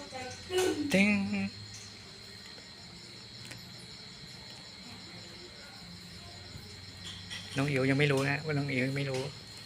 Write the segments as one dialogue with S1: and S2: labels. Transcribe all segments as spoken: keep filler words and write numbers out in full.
S1: ติ้งน้องอิ๋วยังไม่รู้นะว่าน้องอิ๋วยังไม่รู้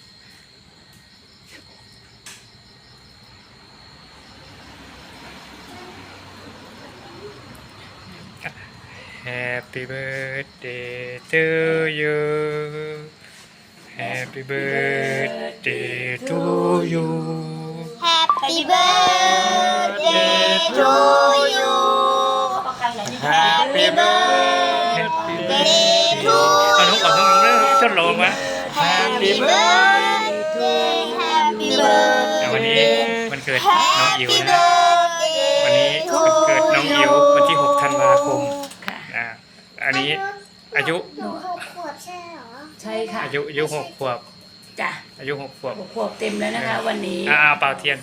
S1: Happy birthday to you Happy birthday to you
S2: Happy birthday to you Happy birthday to
S1: เอาน้องก่อนน้องน้องทดลองมา
S2: Happy birthday Happy birthday
S1: วันนี้วันเกิดน้องอิ๋วนะวันนี้วันเกิดน้องอิ๋ววันที่หกธันวาคมอ่าอันนี้อายุ
S2: หนูหกขวบใช่เหรอ
S3: ใช่ค่ะ
S1: อายุอายุหกขวบ
S3: จ้ะ
S1: อายุหกขวบ
S3: หกขวบเต็มแล้วนะคะ วันนี้
S1: อ่าเป่าเทียน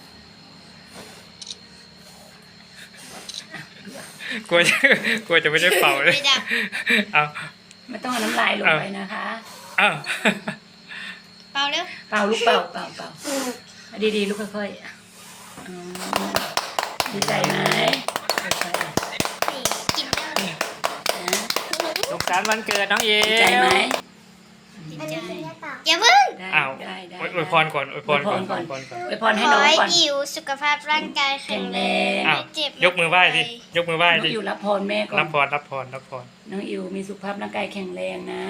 S1: กลัวจะกลัวจะไม่ได้เป่าเลยเอา
S3: ไม่ต้องเอาน้ำลายลงไปนะคะ
S1: อ้าว
S2: เปล่าเร็ว
S3: เป่าลูกเป่าเป่าเป่าดีๆลูกค่อยๆอืมดีใจไหมค่อย
S2: กินได้
S3: ๆนะ
S1: สุขสันต์วันเกิดน้องอิ๋ว
S3: ดีใจไหม
S2: ดีใจอย่าเพิ่ง
S3: ได้
S1: อ้าว
S3: ได้ได้
S1: อวยพรก่อนอวยพรก่อนอวยพรก่อน
S3: อวยพร
S2: ข
S3: ให้
S2: อ
S3: น้อง
S2: ให้
S3: ก่อน
S2: อิ๋วสุขภาพร่างกายแข็งแรง
S1: อ้าว
S2: ไม่เจ็บ
S1: ยกมือไหว้ดิยกมือไหว้
S3: น้อง
S1: ดิ
S3: อิวรับพรแม่ก่อ
S1: รั
S3: น
S1: บพรรับพรรับพร
S3: น้องอิวมีสุขภาพร่างกายแข็งแรงนะ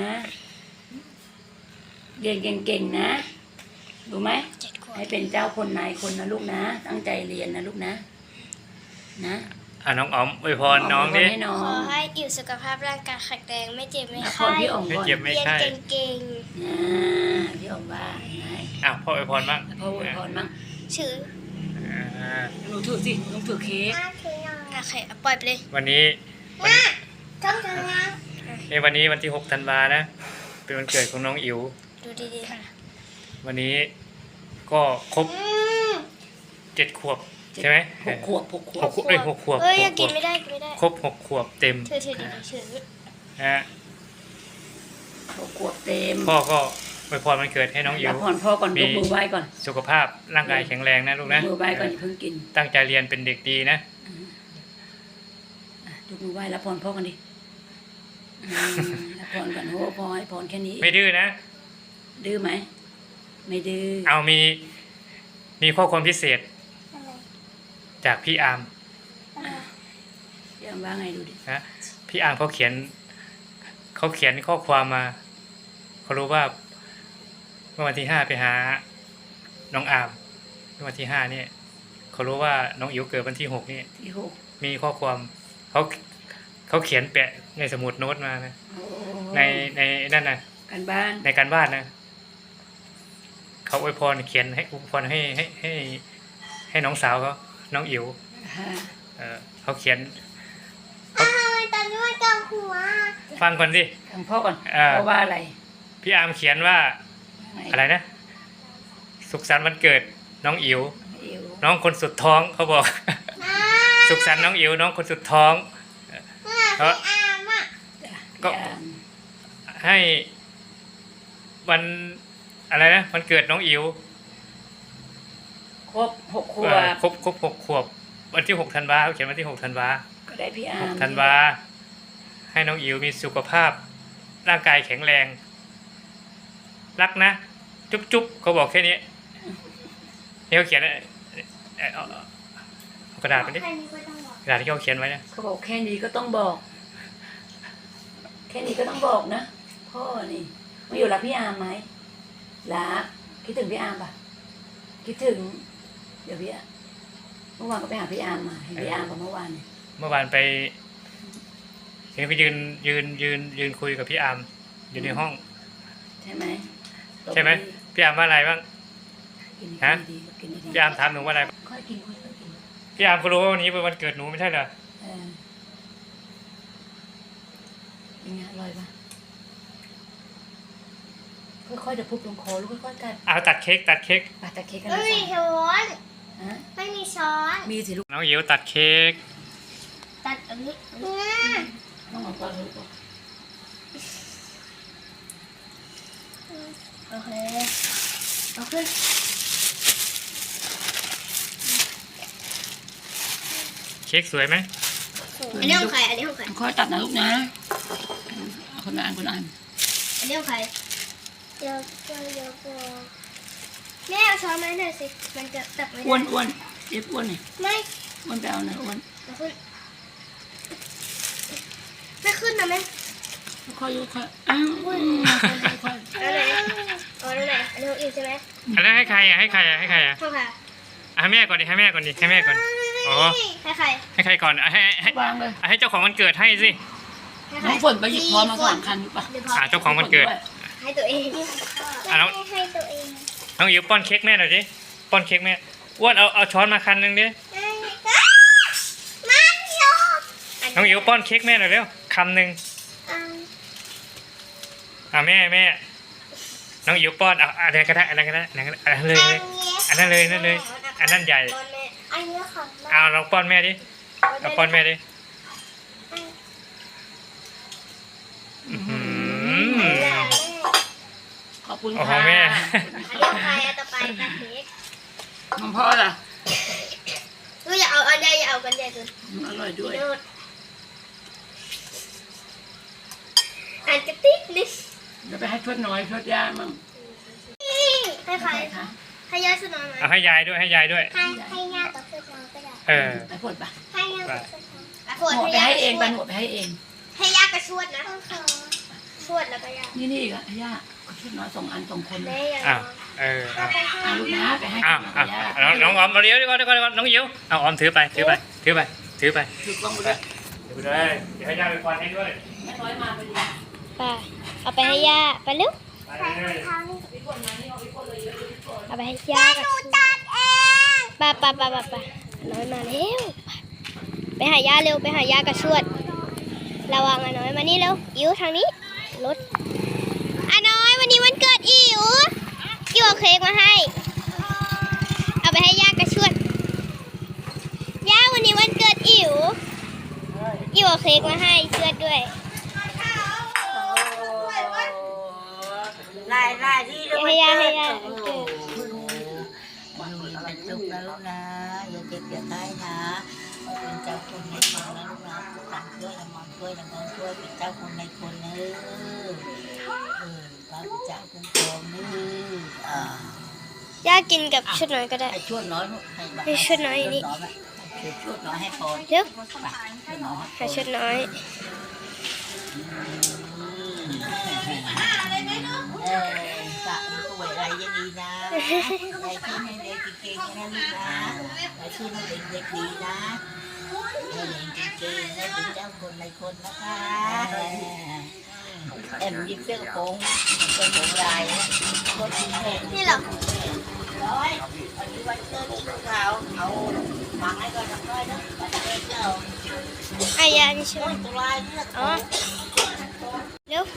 S3: เรียนเก่งๆนะรู้ไหม
S2: เจ็ดขวบ
S3: ให้เป็นเจ้าคนนายคนนะลูกนะ ตั้งใจเรียนนะลูกนะ นะ
S1: อ่ะน้องอ๋อมอวยพรน้องดิ
S3: ให้น้อ
S2: ของ ให้อิ๋วสุขภาพร่างกายแข็งแรงไม่เจ็บไม่
S3: รับพ
S2: ไข้
S3: รพี่อ๋อง
S1: ไม่
S3: ก่อน
S1: เจ็บไม่
S2: เรียน
S1: ใช่
S2: เก่ง
S3: นะพี่อ๋องว่าไง
S1: อ้าวพ่ออวยพรบ้าง
S3: พ่ออวยพรมั่ง
S2: ๆชื่อ
S1: อ่า
S3: หนูถือสิหนูถือเค้ก
S2: โอเคเอาปล่อยไปเลย
S1: วันนี้วันนี้
S2: ต้องทำงาน
S1: เอ้ยวันนี้วันที่หกธันวานะ เป็นวันเกิดของน้องอิ๋ว
S2: ดูดีๆค่ะ
S1: วันนี้ก็ครบเจ็ดขวบใช่ไหม
S3: หกขวบหกขว
S1: ห
S3: บ
S1: กขวบเอ้ยหกขวบ
S2: เอ้ย
S1: ห
S2: ยัง
S1: กข
S2: กิ
S1: วน บ
S2: ไม่ได้กินไม่ได้
S1: ครบหกขวบเต็ม
S2: ถือถือดีๆถือ
S1: นะฮะ
S3: หกขวบเต็ม
S1: พ่อก็อวยพรวันเกิดให้น้องอิ๋
S3: รั
S1: ว
S3: บพรพ่อก่อนยกมือไหว้ก่อน
S1: สุขภาพร่างกายแข็งแรงนะลูก
S3: ย
S1: นะ
S3: กมือไหว้ก่อนอย่าเพิ่งกิน
S1: ตั้งใจเรียนเป็นเด็กดีนะ
S3: อ่ะยกมือไหว้รับพรพ่อกันดิอืมรับพรก่อนโอ้พอให้พรแค่นี้
S1: ไม่ดื้อนะ
S3: ดื้อไหมไม่ดื้อ
S1: เอามีมีข้อความพิเศษจากพี่อาร์ม
S3: ยังว่าไงดูดิ
S1: นะพี่อาร์มเขาเขียนเขาเขียนข้อความมาเขารู้ว่าเมื่อวันที่ห้าไปหาน้องอาร์มเมื่อวันที่ห้าเนี่ยเขารู้ว่าน้องอิ๋วเกิดวันที่หกนี่
S3: ที่หก
S1: มีข้อความเขาเขาเขียนแปะในสมุดโน้ตมานะ
S3: โอ้
S1: ในในนั่นนะ
S3: กันบ้าน
S1: ในการบ้านนะเขาอวยพรเขียนให้อวยพรให้ให้ให้ให้น้องสาวเขาน้องอิ๋ว
S3: ฮะ
S1: เออเขาเขียน
S2: ทำไมตอนนี้มันจับหัว
S1: ฟังก่อนสิ
S3: ทางพ่อก่อน
S1: อ่า
S3: พ่อว่าอะไร
S1: พี่อาร์มเขียนว่า
S3: ไง
S1: อะไรนะ สุขสันต์วันเกิดน้องอิ๋ว
S3: อิ๋ว
S1: น้องคนสุดท้องเขาบอก สุขสันต์น้องอิ๋วน้องคนสุดท้องเขา
S2: อามอ่ะ
S3: จ้ะ
S1: ก็
S3: พี่อาร์ม
S1: ให้วันอะไรนะวันเกิดน้องอิ๋ว
S3: ครบหกขว
S1: เอ่อบ ครบครบหกขวบ วันที่หกธันวาเขาเขียนวันที่หกธันวา
S3: ก็ได้พี่อา
S1: ห
S3: ร์
S1: ก
S3: ม
S1: ธันวาให้น้องอิ๋วมีสุขภาพ ร่างกายแข็งแรง รักนะ จุ๊บจุ๊บเขาบอกแค่นี้นี่เขาเขียนเอ่อเอ่อเอาเอากระดาษไปดิ
S2: แค่นี้ก็ต้องบอก
S1: กระดาษที่เขาเขียนไว้นะ
S3: เขาบอกแค่นี้ก็ต้องบอก แค่นี้ก็ต้องบอกนะพ่อนี่มาอยู่รักพี่อาร์มไหมรักคิดถึงพี่อาร์มปะคิดถึง เดี๋ยวพี่อาร์มเมื่อวานก็ไปหาพี่อาร์มมาเห็นพี่อาร์มกับเมื่อวานเนี่ย
S1: เมื่อวานไปเห็นไปยืนยืนยืนยืนคุยกับพี่อาร์มอยู่ในห้อง
S3: ใช่ไหม
S1: ใช่ไหมพี่อาร์มว่าอะไรบ้าง
S3: กิน
S1: ฮะ
S3: ดีๆกินดีๆ
S1: พี่อาร์มถามหนูว่าอะไร
S3: ค่อยกินค่อยๆกิน
S1: พี่อาร์มก็รู้ว่าวันนี้เป็นวันเกิดหนูไม่ใช่เหรอ
S3: เออยังไงอร่อยปะค่อยๆเดี๋ยวพุบลงคอลูกค่อยๆกัด
S1: เอาตัดเค้กตัดเค้ก
S3: ปาตะเค้กกัน
S2: ไม่
S3: นะ
S2: มี
S3: จ๊ะ
S2: ช้อน
S3: ฮะ
S2: ไม่มีช้อน
S3: มีสิลูก
S1: น้องอิ๋วตัดเค้ก
S2: ตัดอันนี้เนี่ย
S3: น้องเอาปลาลูก
S2: โอเคเอาขึ้น
S1: ค้กสวยไหม
S2: อันนี้ของใครอันนี้ของใคร
S3: ค่อยตัดนะลูกนะเอาคนละอันคนละอัน
S2: อันนี้ของใครเดี๋ยวเดี๋ยวเดี๋ยวแม่เอาช้อนมาให้หน่อยสิมันจะตักไม่ได้
S3: อ้วนอ้วนเอฟอ้วนนี่
S2: ไม่
S3: อ้วนไปเอาหน่อยอ้วน
S2: ไม่ขึ้นไม่ขึ้นนะแม่
S3: ค่อยๆค่อยๆอ้าวค่อยๆค่อย
S2: อันไหนอ๋ออันไหนอันนี้ของอิวใช่ไหม
S1: อันนั้นให้ใครอ่ะให้ใครอ่ะให้ใครอ่ะ
S2: ของใคร
S1: อ่ะให้แม่ก่อนดิให้แม่ก่อนดิให้แม่ก่อน อ๋อ
S2: ให้ใคร
S1: ให้ใครก่อนอ่ะให้ให้
S3: ๆวางเลย
S1: อ่ะให้เจ้าของวันเกิดให้สิ
S2: ให้ใคร
S3: น้องฝนไปหยิบพร้อมมาสามคันดีป่ะ
S2: เดี๋ยวพอ
S1: อ่ะเจ้าของวันเกิด
S2: ให้ตัวเอง
S1: อ่ะน้อง
S2: ให้ตัวเอง
S1: น้องอิ๋วป้อนเค้กแม่หน่อยดิป้อนเค้กแม่อ้วนเอาเอาช้อนมาคันหนึงดิ
S2: มันยอม
S1: น้องอิ๋วป้อนเค้กแม่หน่อยเร็วคำหนึ่ง
S2: อ่า
S1: อ่ะแม่แม่น้องอิ๋วป้อนอ่ะอะไรก็ได้อะไรก็ได้อันนั้นก็ได้อันนั้นเลยเลยอันนั้นเลยนั่นเลย อันนั้นใหญ่
S2: ป้อนแม่อันนี้ของแม่
S1: เอาลองป้อนแม่ดิเอาป้อนแม่ดิอื้อหือ
S3: ขอบคุณ
S1: โอ้โห
S3: ค่ะ
S1: แม่
S2: อันนี้ของใครอ่ะต่อไปค่ะเค้ก
S3: ของพ่อล่ะ
S2: ลูกอย่าเอาอันใหญ่อย่าเอากันใหญ่เกิน
S3: อร่อยด้วย
S2: โดดอันกระติกนิด
S3: เดี๋ยวไปให้ทวดน้อยทวดย่ามั่ง
S2: ให้ใคร
S3: คะ
S2: ให้ยายสุนอนไหม
S1: เอาให้ยายด้วยให้ยายด้วย
S2: ให้ให้ย่ากับเพื่อนก็ได้
S1: เออ
S3: ไปฝนปะ
S2: ให้ย่ากับเพื่อน
S3: หมดไปให้เองไปหมดไปให้เอง
S2: ให้ย่ากับชวดนะชวดแล้วก็ย่า
S3: นี่นี่อีกอ่ะย่าทวดน้อยสองอันสองคนเล
S2: แม่
S3: ย
S2: ย่า
S1: อ้าวเออเอา
S3: เอาลูกนะไปให้
S1: อ้าวอ้าว
S3: ย่า
S1: น้องน้องออมเอาเดี๋ยวเดี๋ยวก่อนเดี๋ยวก่อนเดี๋ยวก่อนน้องอิ๋วเอาออมถือไปถือไปถือไปถือไป
S3: ถือกล้องไปด้วย
S1: ถือไปเลยเดี๋ยวให้ยายไปป้อนให้ด้วย
S3: แม่น้อยมาไปดิ
S2: ไปเอาไปให้ย่าไปเร็ว
S1: ไปเลย
S2: เอาไปให้ย่ากับชวดไปไปไปไปไปน้อยมาเร็วไปหาย่าเร็วไปหาย่ากับชวดระวังอ่ะน้อยมานี่เร็วอิ๋วทางนี้รถอ่ะน้อยวันนี้วันเกิดอิ๋วอิ๋วเอาเค้กมาให้ เอาไปให้ย่ากับชวดย่าวันนี้วันเกิดอิ๋วอิ๋วเอาเค้กมาให้ชวดด้วย
S4: ลายลายที่เรา
S2: ให้ย่าให้ย่า
S4: โอ้โหมันมีเป็นสุขนะลูกนะอย่าเจ็บอย่าตายนะเป็นเจ้าคนในคนนะลูกนะตังช่วยละมอนช่วยละเงินช่วยเป็นเจ้าคนในคนเนอะเออพระพุทธเจ้าคุ้มครองเนอะอ่า
S2: ย่ากินกับชุดน้อยก็ได้
S4: ให้ช่วยน้อยลูกให้บ้าง
S2: ให้ช่วยน้อยนี่
S4: ให้ช่วยน้อยให้พร
S2: เร็ว
S4: ไปช่วยน้อยให้พ
S2: หาร ชุดน้อย
S4: เออสะป่วยอะไรยังดีนะยายขึ้นให้เด็กเก่งๆนะลูกนะยายขึ้นให้เด็กๆดีนะให้เด็กเก่งๆให้เป็นเจ้าคนในคนนะคะแอมยิบเสื้อกระโปรงเป็นผมลายคนที่แห้ง
S2: นี่เหรอ
S4: ร้อยวันนี้วันเกิดลูกสาวเอาหมักให้ก่อนสักร้อยนะวันเกิดเจ้า
S2: อายานี่ใช่ไหม
S4: โอ้ยตัวลายนี่ละ
S2: อ๋อเร็ว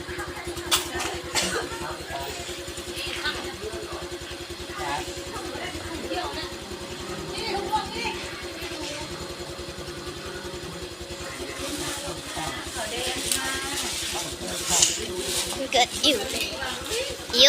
S2: มันเกิดอิ๋วเลยอิ๋ว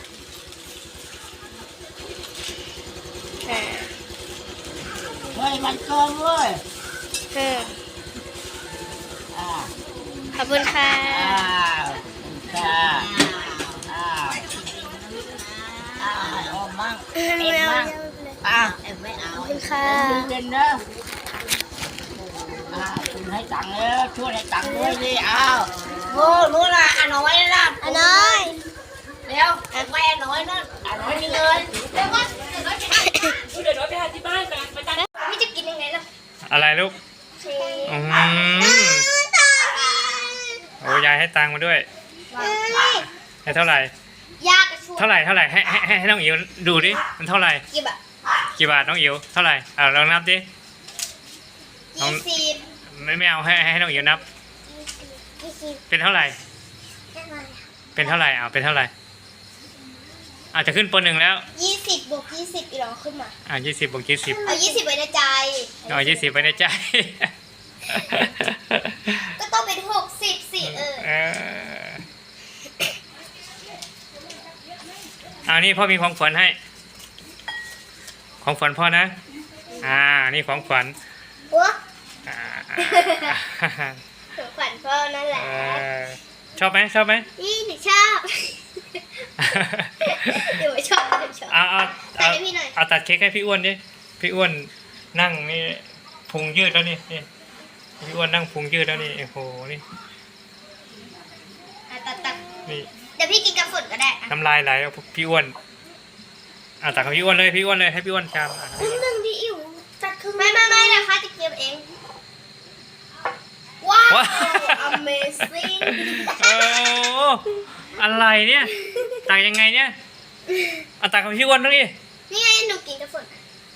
S2: อ่า
S4: เฮ้ยมันเกินเว้ย
S2: เออ
S4: อ่า
S2: ขอบคุณค่ะ
S4: อ้าวค่ะอ้าวอ้าวออมมั่ง
S2: เออ
S4: เอ็ม
S2: ไม่เอา
S4: มั่ง
S2: ไม่เอา
S4: อ้าวเอ็มไม่เอา
S2: ขอบคุณค่ะ
S4: เย็นๆเด้ออ้าวคุณให้ตังค์เด้อช่วยให้ตังค์ด้วยดิอ้าวโง่รู้ละอ่ะน้อยนะ
S2: อันน้อย
S4: เร็วแม่น้อยนั่นอ่ะน้อยนี่เลยเร็วว่าเดี๋ยวน้อยไปหา
S3: เดี๋ยวน้อยไปหาที่บ้านไปไปตั้ง
S2: พี่จะกินยังไงล่ะ
S1: อะไรลูก
S2: เค้
S1: อื
S2: ก
S1: มโอ้ยายให้ตังค์มาด้วย ให้เท่าไหร่
S2: ยากระชู
S1: เท่าไหร่เท่าไหร่ให้ให้ให้ให้น้องอิ๋วดูดิมันเท่าไหร่
S2: กี่บาท
S1: กี่บาทน้องอิ๋วเท่าไหร่อ่าลองนับดิ
S2: ยี่สิบ
S1: ไม่ไม่เอาให้ให้น้องอิ๋วนับ
S2: ยี่สิบ
S1: เป็นเท่าไหร่ เป็นเท่าไหร่อ่าเป็นเท่าไหร่อาจจะขึ้นปหนึ่งแล้ว
S2: ยี่สิบบวกยี่สิบอีกหรอขึ้นมา
S1: อ่ายี่สิบบวกยี่สิบ
S2: เอายี่สิบไว้ในใจ
S1: เอายี่สิบไว้ในใจ
S2: ก็ต้องเป็นหกสิบสิเออ
S1: เออเอานี่พ่อมีของขวัญให้ ของขวัญพ่อนะ อ่า นี่ของขวัญ
S2: หัวของขวัญพ่อนั่นแหละ
S1: เออชอบไหมชอบไหม
S2: นี่หนูชอบหนูไม่ชอบหนูชอบ
S1: เอาเอา
S2: ตั
S1: เอา
S2: ดให้พี่หน่อย
S1: เอาตัดเค้กให้พี่อ้วนดิพี่อ้วนนั่งนี่พุงยืดแล้วนี่นี่พี่อ้วนนั่งพุงยืดแล้วนี่โอ้โหนี่
S2: อ่ะตัดตัด
S1: นี่
S2: เดี๋ยวพี่กินกับฝนก็ได้อ่ะ
S1: น้ำลายไหลเอาพี่อ้วนเอาตัดของพี่อ้วนเลยพี่อ้วนเลยให้พี่อ้วนชามอ่ะ
S2: ครึ่งหนึ่งพี่อิ๋วตัดครึ่งไม่ไม่ไม่นะคะจะเก็บเองว้าว amazing
S1: โอ้อะไรเนี่ยตักยังไงเนี่ยเอาตักของพี่อ้วนแล้วนี่
S2: นี่ไงหนูกินกับฝน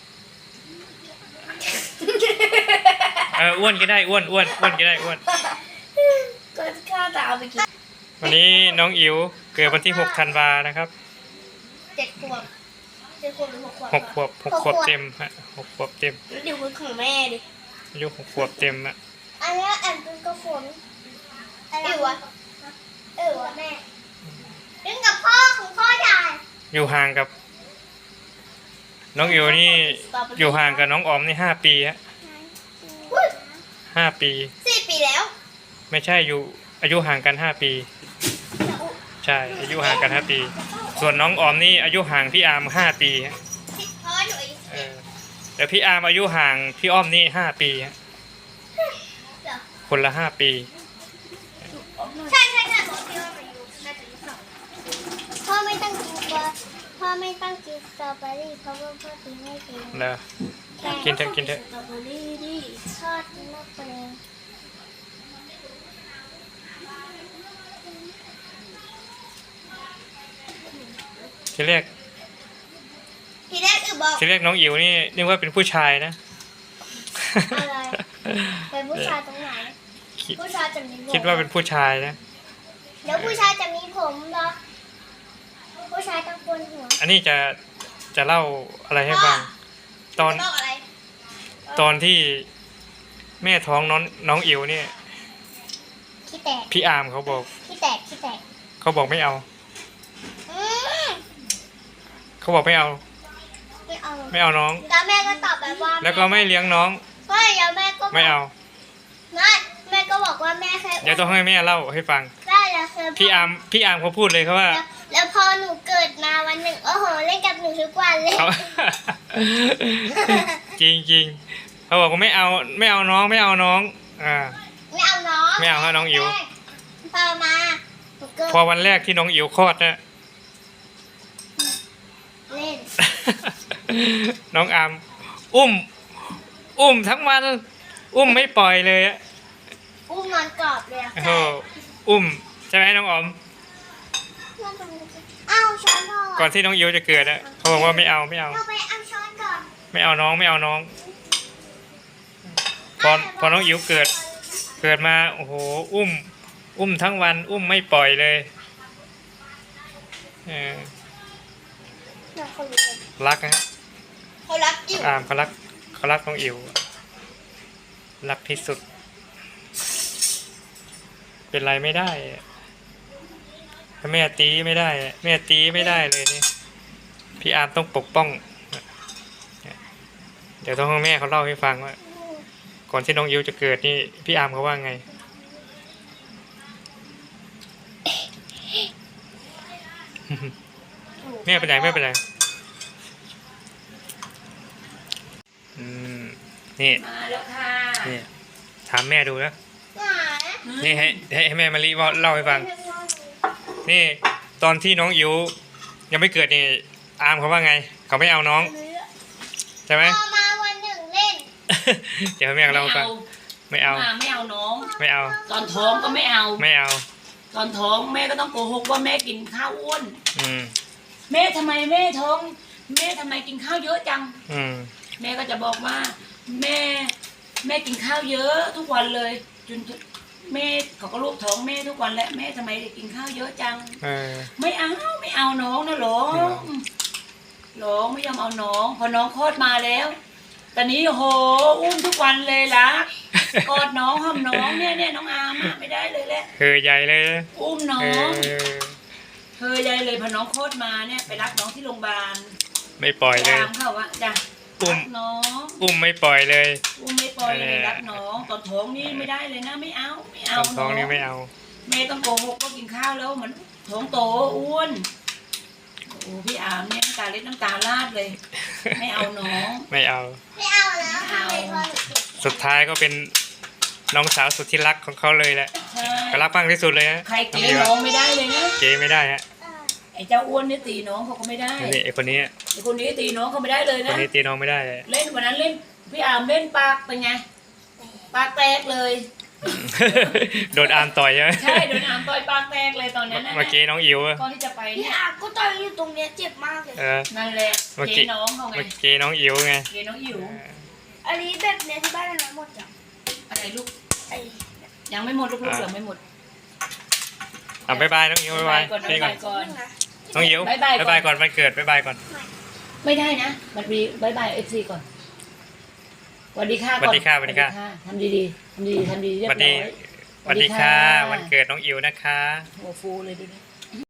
S1: เอออ้วนก็ได้อ้วนอ้วนอ้วนก็ได้อ้วน
S2: ก็ข้าจะเอาไปกิน
S1: วันนี้น้องอิ๋วเกิดวันที่หกธันวานะครับ
S2: เจ็ดขวบเจ็ดขวบหรือหกขวบ
S1: หกขวบหกขวบเต็มฮะหกขวบเต็ม
S2: เดี๋ยวคุณของแม่ดิ
S1: อายุหกขวบเต็มอะ
S2: อันนี้แอนเป็นกับฝนอิ๋วอะเออวะแม่เล่นกับพ่อของพ่อใหญ่
S1: อยู่ห่างกับ น้องอิ๋วนี่อยู่ห่างกับน้องออมนี่ห้าปีฮะ
S2: อุ๊ย
S1: ห้าปี
S2: สี่ปีแล้ว
S1: ไม่ใช่อยู่อายุห่างกันห้าปี ใช่อายุห่างกันห้าปี ส่วนน้องออมนี่อายุห่างพี่อาร์มห้าปีฮะ
S2: เพราะว่าหนูอายุ
S1: เออแต่พี่อาร์มอายุห่างพี่อ้อมนี่ห้าปีฮะ
S2: เหรอ
S1: คนละห้าปี
S2: ใช่ใช่ใช่บอกพี่ว่าอายุน่าจะอายุสองพ่อไม่ต้องกินตัวพ่อไม่ต้องกินสตรอเบอรี่เพราะว่าพ่อกินไม่เป็น
S1: เนอะ กินเถอะกินเถอะ
S2: สตรอเบอรี่ดิทอดมากเลย
S1: ทีแรก
S2: ทีแรกอือบอก
S1: ทีแรกน้องอิ๋วนี่นึกว่าเป็นผู้ชายนะ
S2: อะไรเป็นผู้ชายตรงไหน
S1: คิด
S2: ผู้ชายจะมีผม
S1: คิดว่าเป็นผู้ชายนะ
S2: เดี๋ยวผู้ชายจะมีผมเหรอผู้ชายต้องโกนหัว
S1: อันนี้จะจะเล่าอะไรให้ฟัง ตอน
S2: ต้องอะไร
S1: ตอนที่แม่ท้องน้องน้องอิ๋วเนี่ย
S2: ขี้แตก
S1: พี่อาร์มเขาบอก
S2: ขี้แตกขี้แตก
S1: เขาบอกไม่เอา
S2: อืม
S1: เขาบอกไม่เอา
S2: ไม่เอา
S1: ไม่เอาน้อง
S2: แล้วแม่ก็ตอบแบบว่า
S1: แล้วก็ไม่เลี้ยงน้อง
S2: ก็แล้วแม่ก็บก
S1: ไม่เอา
S2: ไม่แม่ก็บอกว่าแม่แค่
S1: เดี๋ยวต้องให้แม่เล่าให้ฟัง
S2: ได้แล้วคือ
S1: พี่อาร์มพี่อาร์มเขาพูดเลยเขาว่า
S2: แล้วแล้วพอหนูเกิดมาวันหนึ่งโอ้โหเล่นกับหนูทุกวันเลย
S1: เขา จริงจริงเขาบอกว่าไม่เอาไม่เอาน้องไม่เอาน้องอ่า
S2: ไม่เอาน้อง
S1: ไม่เอาให้น้องอิ๋ว
S2: พอมาหนูเกิด
S1: พอวันแรกที่น้องอิ๋วคลอดนะ
S2: เล่น
S1: น้องอาร์มอุ้ม อุ้มทั้งวัน อุ้มไม่ปล่อยเลยอะ
S2: อุ้มนอนกรอบเลยอะ
S1: โอ้โหอุ้มใช่ไหมน้องออม
S2: เอาช้อนพ่อ
S1: ก่อนที่น้องอิ๋วจะเกิดอะเขาบอกว่าไม่เอาไม่เอา
S2: เราไปเอาช้อนก่อน
S1: ไม่เอาน้องไม่เอาน้อง พอพอน้องอิ๋วเกิด เกิดมาโอ้โหอุ้ม อุ้มทั้งวัน อุ้มไม่ปล่อยเลยเออ
S2: เราเขารู้
S1: รักนะฮะ
S2: เขารักอยู่
S1: อามเขารักเขารักน้องอิ๋วรักที่สุด เป็นไรไม่ได้อะถ้าแม่ตีไม่ได้อะแม่ตีไม่ได้เลยนี่พี่อาร์มต้องปกป้อง เดี๋ยวต้องให้แม่เขาเล่าให้ฟังว่า ก่อนที่น้องอิ๋วจะเกิดนี่พี่อาร์มเขาว่าไง แม่ไปไหนแม่ไปไหนอืมนี่
S3: มาแล้วค่ะ
S1: นี่ถามแม่ดูนะ
S2: หมา
S1: นี่ให้ให้ให้แม่มารีว่าเล่าให้ฟัง นี่ตอนที่น้องอิ๋วยังไม่เกิดนี่อาร์มเขาว่าไง เขาไม่เอาน้องใช่ไหม
S2: พอมาวันหนึ่งเล่น
S1: เดี๋ยวให้แม่เล่าให้ฟังไม่เอา
S3: มาไม่เอาน้อง
S1: ไม่เอา
S3: ตอนท้องก็ไม่เอา
S1: ไม่เอา
S3: ตอนท้องแม่ก็ต้องโกหกว่าแม่กินข้าวอ้วน
S1: อืม
S3: แม่ทำไมแม่ท้อง แม่ทำไมกินข้าวเยอะจัง
S1: อืม
S3: แม่ก็จะบอกว่า แม่ แม่กินข้าวเยอะทุกวันเลยจนแม่เขาก็ลูกท้องแม่ทุกวันแหละแม่ทำไมกินข้าวเยอะจัง
S1: เออ
S3: ไม่เอาไม่เอาน้องนะหลง
S1: ไม่เอา
S3: หลงไม่ยอมเอาน้อง พอน้องคลอดมาแล้วตอนนี้โอ้โหอุ้มทุกวันเลยละกอดน้องหอมน้องเนี่ยเนี่ยน้องอาร์มอะไม่ได้เลยแหละ
S1: เฮอใหญ่เลยนะ
S3: อุ้มน้อ
S1: เอง อ
S3: เธอยายเลยพอน้องคลอดมาเนี่ยไปรับน้องที่โรงพยาบาล
S1: ไม่ปล่อยเลย
S3: ตามเขาว่าจ้ะ
S1: อุ้ม
S3: รักน้อง
S1: อุ้มไม่ปล่อยเลย
S3: อุ้มไม่ปอยเลยรักน้องตอนท้องนี่ไม่ได้เลยนะไม่เอาไม่เอา
S1: ตอนท้องนี่ไม่เอา
S3: เมย์ต้องโกหกว่ากินข้าวแล้วมันท้องโตอ้วนโอ้พี่อามเนี่ยน้ำตาเล็ดน้ำตาลาดเลย ไม่เอาน้อง
S1: ไม่เอา
S2: ไม่เอาแล้ว
S3: ไม่เอา
S1: สุดท้ายก็เป็นน้องสาวสุดที่รักของเขาเลยแหละ
S3: ใช่
S1: ก็รักมากที่สุดเลยฮะ
S3: ใครเกลียดน้องไม่ได้เลยนะ
S1: เจ๊ไม่ได้ฮะ
S3: ไอ้เจ้าอ้วนนี่ตีน้องเขาก็ไม่ได้
S1: นี่ไอคนนี้
S3: ไอ้คนนี้ตีน้องเขาไม่ได้เลย
S1: คน
S3: นะ
S1: นี้ตีน้องไม่ได้เลย
S3: เล่นวันนั้นเล่นพี่อามเล่นปากเป็นไงปากแตกเลย
S1: โดนอามต่อยใช่ไหม
S3: ใช่โดนอามต่อยปากแตกเลยตอนนั้นนะ
S1: เมื่อกี้น้องอิ๋วอะ
S3: ก่อนที่จะไป
S2: พี่
S3: เนี่ย
S2: อาก็ตอนอยู่ตรงเนี้ยเจ็บมากเลย
S1: เออ
S3: นั่นแหละ
S1: เมื่อ
S3: เก
S1: กี้
S3: น้องเขาไง
S1: เมื่อกี้น้องอิ๋วไง
S3: เกน้องอิ๋ว
S2: อันนี้แบบเนี้ยที่บ้านเราหมดจ้ะ
S3: อะไรลูก
S2: ไอ้
S3: ยังไม่หมดลูกๆยังไม่หมด
S1: อ่ะบ๊ายบายน้องอิ๋วบ๊ายบาย
S3: ก่อน
S1: นี่ก่อน
S3: ก่อน
S2: นะ
S1: น้องอิ๋ว
S3: บ๊ายบายก่อน
S1: บ๊ายบายก่อนวันเกิดบ๊ายบายก่อน
S3: ไม่ได้นะมันมีบายบายเอฟซีก่อนสวัสดีค่ะ
S1: สวัสดีค่ะสวัสดีค่ะ
S3: ทำดีๆทำดีๆทำดีๆเรีย
S1: ส
S3: บ
S1: วัส
S3: ร้
S1: ดี
S3: อย
S1: สวัสดีค่ะวันเกิดน้องอิ๋วนะคะ
S3: หัวฟูเลยดูดิ